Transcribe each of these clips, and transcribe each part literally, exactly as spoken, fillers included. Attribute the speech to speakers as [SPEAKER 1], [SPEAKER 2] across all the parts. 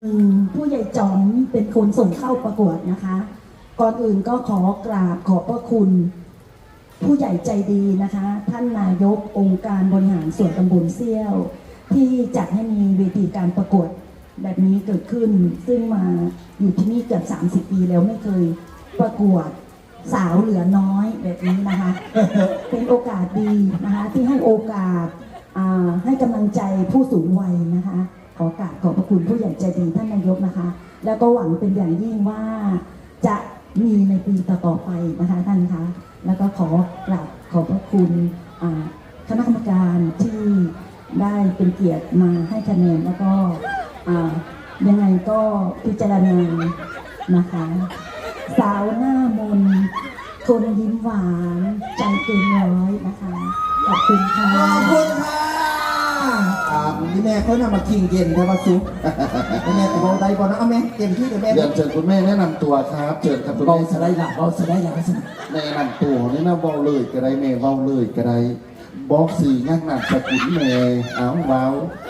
[SPEAKER 1] ผู้ใหญ่จอมเป็นคนส่งเข้าประกวดนะคะ ก่อนอื่นก็ขอกราบขอบพระคุณ ผู้ใหญ่ใจดีนะคะ ท่านนายกองค์การบริหารส่วนตำบลเซี่ยว ที่จัดให้มีเวทีการประกวดแบบนี้เกิดขึ้น ซึ่งมาอยู่ที่นี่เกือบสามสิบปีแล้วไม่เคยประกวดสาวเหลือน้อยแบบนี้นะคะ เป็นโอกาสดีนะคะที่ให้โอกาสให้กำลังใจผู้สูงวัยนะคะขอกราบขอบพระคุณผู้ใหญ่ใจดีท่านนายกนะคะแล้วก็หวังเป็นอย่างยิ่งว่าจะมีในปีต่อๆไปนะคะท่านคะแล้วก็ขอกราบขอบพระคุณคณะกรรมการที่ได้เป็นเกียรติมาให้คะแนนแล้วก็ยังไงก็พิจารณานะคะสาวหน้ามนคนยิ้มหวานใจเกินร้อยนะคะขอบคุณค่ะ
[SPEAKER 2] ขอบคุณค่ะอ่าพี่แม่เขานำมาคิงเย็นใช่ปะซุปพี่แม่บอกได้บอกนะเอาแม่เต็มที่เดี๋ยวแม่
[SPEAKER 3] เดี๋ยวเชิญคุณแม่แนะนำตัวครับเชิญครับคุณ
[SPEAKER 2] บอ
[SPEAKER 3] แม่
[SPEAKER 2] ลสไลด์หลับบอลสไลด์หลับสิ
[SPEAKER 3] แนะนำตัวแนะนำเบาเลยก็ได้แม่เบาเลยก็ได้บอกสื่องักหนักสกุลแม่เอาเบา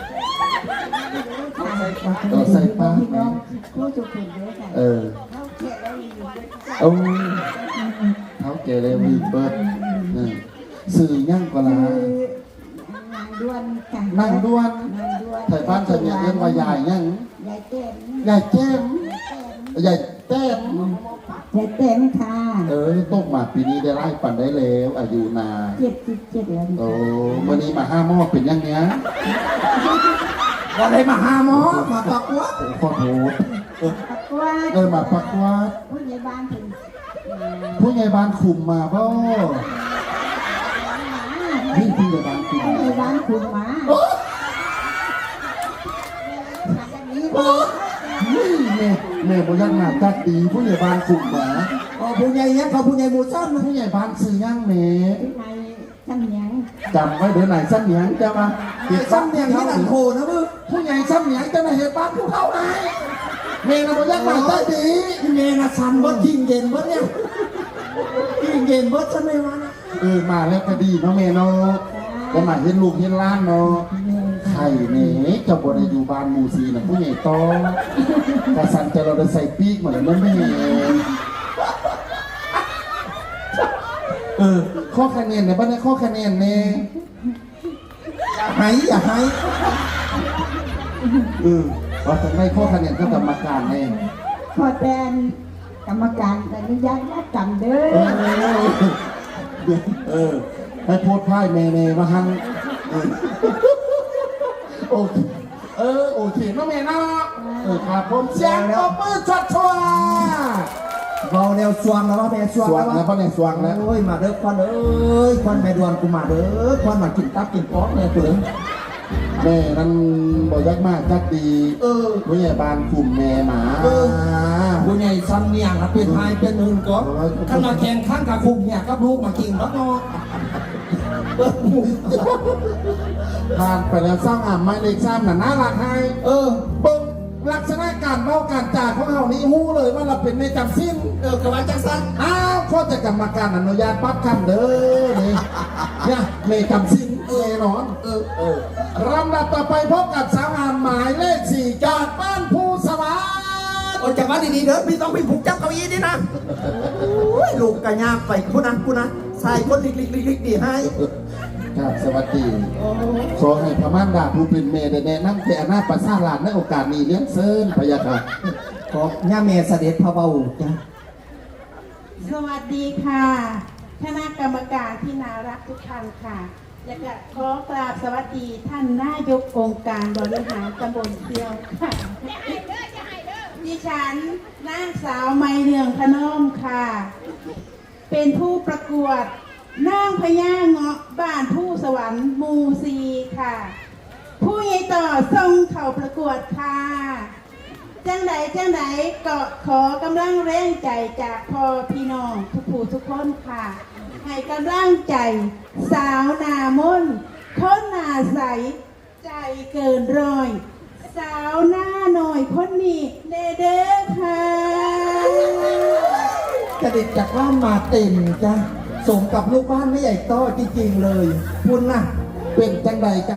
[SPEAKER 3] เราใส่ป้าแม่เออเอาเท้าเกลียววีเบิร์ดสื่อยั่งกว่าละนั่งด้วนไทยบ้านไทยเมียเรียกว่าใหญ่ยั่งใหญ่แก้มใหญ่แต้ม
[SPEAKER 1] ใหญ่เต็มค่ะ
[SPEAKER 3] เออต้มหมากปีนี้ได้ไล่ปั่นได้แล้วอายุนา
[SPEAKER 1] เจ็ดสิบเจ็ดแล้ว
[SPEAKER 3] โอ้วันนี้มาห้าหม้อเป็นยังเนี้ย
[SPEAKER 2] วันไหนมาห้าหม้อมาปักวัด
[SPEAKER 3] ขอโทษเออมาปักวัด
[SPEAKER 1] ผู้ใหญ่บ้านถึง
[SPEAKER 3] ผู้ใหญ่บ้านคุมมาบ่นี่ผู้ใหญ่บ้านคุม
[SPEAKER 1] ผู้ใหญ่บ้านคุมมา
[SPEAKER 3] นี่เน่เน่บยักหน้าจัดดีผู้ใหญ่บ้านคุมมา
[SPEAKER 2] อ๋อผู้ใหญ่เนี้ยเขาผู้ใหญ่หมู่ซ้ำนะ
[SPEAKER 3] ผู้ใหญ่บ้านซื้อย่างเน่
[SPEAKER 1] ซ้ำเนียง
[SPEAKER 3] จำไว้เดี๋ยวไหนซ้ำเนียงจะมา
[SPEAKER 2] เก็บซ้ำเนียงที่หลังโคนะมึง
[SPEAKER 3] ผู้ใหญ่ซ้ำเนียงจะมาเห็นบ้านผู้เข้าไหนเมย์นะบยักหน้าจัดดี
[SPEAKER 2] เมย์นะซ้ำเบิร์ดกินเย็นเบิร์ดเนี่ยกินเย็นเบิร์ดใช่ไหมวะ
[SPEAKER 3] เออมาแล้วก็ดีเนาะเมย์เนาะก็มาเห็นลูกเห็นล้านเนาะไข่เน่จะบนอยู่บ้านมูซีนะผู้ใหญ่โตกระสันจะเราได้ใส่ปีกเหมือนนั่นไม่เองเออข้อคะแนนเนี่ยบ้านนี้ข้อคะแนนเนี่ย
[SPEAKER 2] อย่าให้อย่าให้
[SPEAKER 3] เออว่าจะไม่ข้อคะแนนก็กรรมการแน่
[SPEAKER 1] ขอแทนกรรมการอนุญาตนัดกันเด้อ
[SPEAKER 3] เออให้โพสต์พ่ายเมย์เมย์มาหันโอเคเออโอเคน้องเมย์นะเออครับผมเสียงตบมือชัดชัว
[SPEAKER 2] เบาแนวสวงแล้วว่าแม่สวง
[SPEAKER 3] แล้วแล้วพ่อแม่สวงแล้ว
[SPEAKER 2] โอ้ยมาเด้อควันเอ้ยควันแม่ดวนกูมาเด้อควันมากินตับกินป๊อกเลยเผื่อ
[SPEAKER 3] แม่นั่นบอกยักมากจักดี
[SPEAKER 2] เออ
[SPEAKER 3] ผู้ใหญ่บ้านกลุ่มแม่หมา
[SPEAKER 2] ผู้ใหญ่ซ้ำเนี่ยครับเป็นไทยเป็นอื่นก็ขันมาแข่งขันกับคุมเนี่ยกับลูกมากินแล้วเนาะ
[SPEAKER 3] ผ่านไปแล้วสร้างอ่ำไม่เล็กซ้ำหนาหน้ารักให้
[SPEAKER 2] เออ
[SPEAKER 3] เบิ้งลักษณะการเมาการจ่าของเรานี่หู้เลยว่าเราเป็นในจำสิ้น
[SPEAKER 2] เออกระวานจังสัน
[SPEAKER 3] อ้าวข้อจะกรรมการอนุญาตปั๊บคำเด้อนี่เนี่ยในจำสิ้นเออนอนเออเออลำดับต่อไปพบกับสาวงามหมายเลขสี่จากบ้านภูสวรรค์
[SPEAKER 2] โอ้จากบ้านดีๆเด้อพี่ต้องพี่ผูกจับเก้าอี้นี่นะลูกกระยาไปกูนะกูนะใส่คนลิกลิกลิกลิกดีให้
[SPEAKER 3] ครับสวัสดีขอให้พม่านดาผู้เป็นเมย์ได้แนะนำแก่หน้าประสาหลานในโอกาสนี้เลี้ยงเซินพยาค่ะ
[SPEAKER 2] ขอย่าเมย์เสด็จพระเบาจ้ะ
[SPEAKER 1] สวัสดีค่ะคณะกรรมการที่น่ารักทุกท่านค่ะและก็ขอกราบสวัสดีท่านนายกองค์การบริหารตำบลเซียวค่ะดิฉันนางสาวไมเนืองพนมค่ะเป็นผู้ประกวดนางพญาเงาะบ้านผู้สวรรค์มูซีค่ะผู้ใหญ่ต่อส่งเข้าประกวดค่ะจังไหนจังไหนก็ขอกำลังแรงใจจากพ่อพี่น้องทุกผู้ทุกคนค่ะให้กำลังใจสาวหน้ามนต์คนหน้าใสใจเกินร้อยสาวหน้าหน่อยคนนี้เด้อเด้อค่ะ
[SPEAKER 2] กระดิกจากบ้านมาเต็มจ้ะสมกับลูกบ้านไม่ใหญ่โตจริงๆเลยคุณน่ะ
[SPEAKER 3] เป็นจังใด